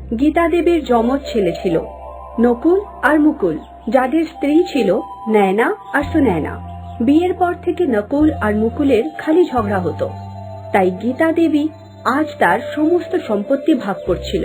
গীতা দেবীর যমজ ছেলে ছিল নকুল আর মুকুল, যাদের স্ত্রী ছিল নয়না আর সুনয়না। বিয়ের পর থেকে নকুল আর মুকুলের খালি ঝগড়া হতো, তাই গীতা দেবী আজ তার সমস্ত সম্পত্তি ভাগ করছিল।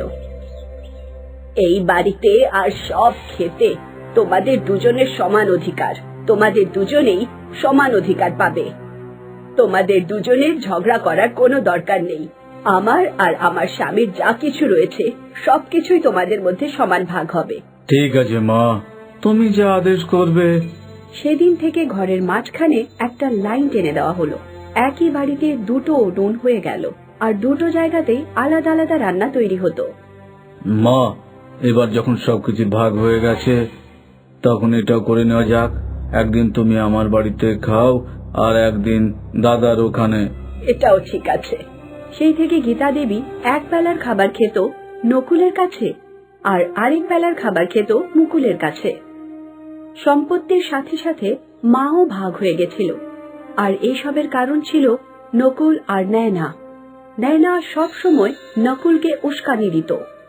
এই বাড়িতে আর সব খেতে তোমাদের দুজনের সমান অধিকার, তোমাদের দুজনেই সমান অধিকার পাবে। তোমাদের দুজনের ঝগড়া করার কোনো দরকার নেই। আমার আর আমার স্বামীর যা কিছু রয়েছে সবকিছুই তোমাদের মধ্যে সমান ভাগ হবে। ঠিক আছে মা, তুমি যা আদেশ করবে। সেদিন থেকে ঘরের মাঝখানে একটা লাইন টেনে দেওয়া হলো। একই বাড়িতে দুটো উনুন হয়ে গেল, আর দুটো জায়গাতেই আলাদা আলাদা রান্না তৈরি হতো। মা, এবার যখন সবকিছু ভাগ হয়ে গেছে তখন এটাও করে নেওয়া যাক, একদিন তুমি আমার বাড়িতে খাও আর একদিন দাদার ওখানে। এটাও ঠিক আছে। সেই থেকে গীতা দেবী এক বেলার খাবার খেত নকুলের কাছে আর আরেক বেলার খাবার খেত মুকুলের কাছে। সম্পত্তির সাথে সাথে মাও ভাগ হয়ে গেছিল, আর এসবের কারণ ছিল নকুল আর নয়না। নয়না সব সময় নকুলকে উস্কানি দিত।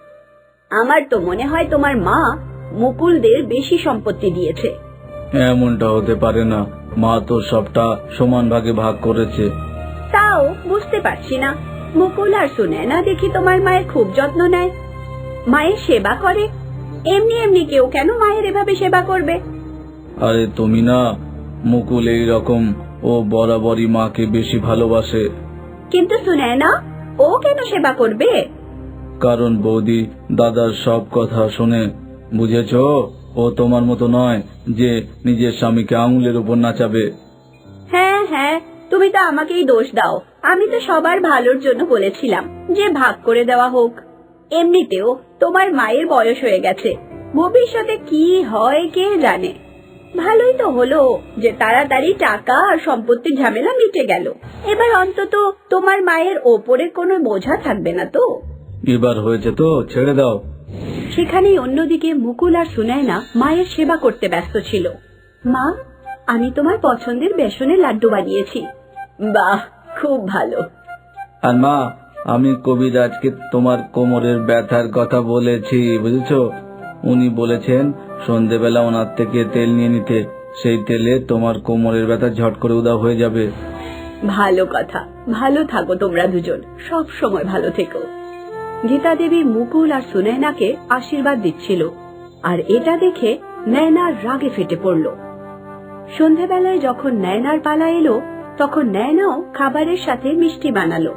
আমার তো মনে হয় তোমার মা মুকুলদের বেশি সম্পত্তি দিয়েছে। এমনটা হতে পারে না, মা তো সবটা সমান ভাগে ভাগ করেছে। তাও বুঝতে পারছি না, মুকুল আর সুনয়না দেখি তোমার মায়ের খুব যত্ন নেয়, মায়ের সেবা করে। এমনি এমনি কেউ কেন মায়ের এভাবে সেবা করবে? আরে তুমি না, মুকুল এই রকম, ও বরাবরই মাকে বেশি ভালোবাসে। কিন্তু সুনয়না, ও কেন সেবা করবে? কারণ বৌদি দাদার সব কথা শুনে, বুঝেছো? ও তোমার মতো নয় যে নিজের স্বামীকে আঙুলের উপর নাচাবে। হ্যাঁ হ্যাঁ, তুমি তো আমাকেই দোষ দাও। আমি তো সবার ভালোর জন্য বলেছিলাম যে ভাগ করে দেওয়া হোক। এমনিতেও তোমার মায়ের বয়স হয়ে গেছে, ভবিষ্যতে কি হয় কে জানে। ভালোই তো হলো যে তাড়াতাড়ি টাকা আর সম্পত্তির ঝামেলা মিটে গেল। এবার অন্তত তোমার মায়ের ওপরে কোনো বোঝা থাকবে না তো। এবার হয়েছে তো, ছেড়ে দাও। সেখানেই অন্যদিকে মুকুল আর সুনয়না মায়ের সেবা করতে ব্যস্ত ছিল। মা, আমি তোমার পছন্দের বেসনের লাড্ডু বানিয়েছি। বাহ, খুব ভালো। আর মা, আমি কবিরাজকে তোমার কোমরের ব্যথার কথা বলেছি, বুঝেছো? উনি বলেছেন সন্ধেবেলা ওনার থেকে তেল নিয়ে নিতে, সেই তেলে তোমার কোমরের ব্যথা ঝট করে উধাও হয়ে যাবে। ভালো কথা, ভালো থাকো তোমরা দুজন, সব সময় ভালো থেকো। গীতা দেবী মুকুল আর সুনয়নাকে আশীর্বাদ দিচ্ছিল, আর এটা দেখে নয়নার রাগে ফেটে পড়ল। সন্ধেবেলায় যখন নয়নার পালা এলো, তখন নয়নাও খাবারের সাথে মিষ্টি বানালো।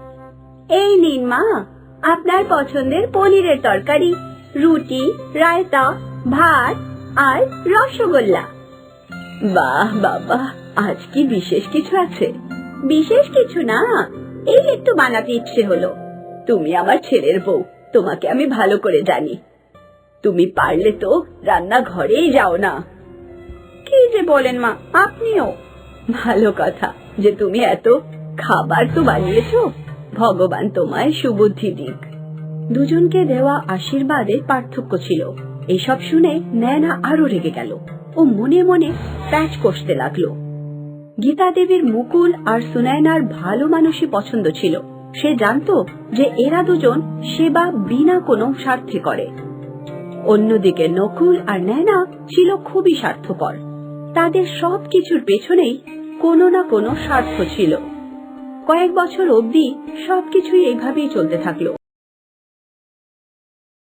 এই নিন মা, আপনার পছন্দের পনিরের তরকারি, রুটি, রায়তা, ভাত আর রসগোল্লা। বাহ বাবা, আজ কি বিশেষ কিছু আছে? বিশেষ কিছু না, এই একটু বানাতে ইচ্ছে হলো। তুমি আমার ছেলের বউ, তোমাকে আমি ভালো করে জানি। তুমি পারলে তো রান্নাঘরেই যাও না। কি যে বলেন মা, আপনিও? ভালো কথা যে তুমি এত খাবার তো বানিয়েছো, ভগবান তোমায় সুবুদ্ধি দিক। দুজনকে দেওয়া আশীর্বাদের পার্থক্য ছিল। এসব শুনে নয়না আরো রেগে গেল। ও মনে মনে প্যাচ কষতে লাগলো। গীতা দেবীর মুকুল আর সুনয়নার ভালো মানুষই পছন্দ ছিল। সে জানতো যে এরা দুজন সেবা বিনা কোনো স্বার্থে করে। অন্যদিকে নকুল আর নয়না ছিল খুবই স্বার্থপর। তাদের সবকিছুর পেছনেই কোনো না কোনো স্বার্থ ছিল। কয়েক বছর অবধি সবকিছুই এইভাবেই চলতে থাকলো।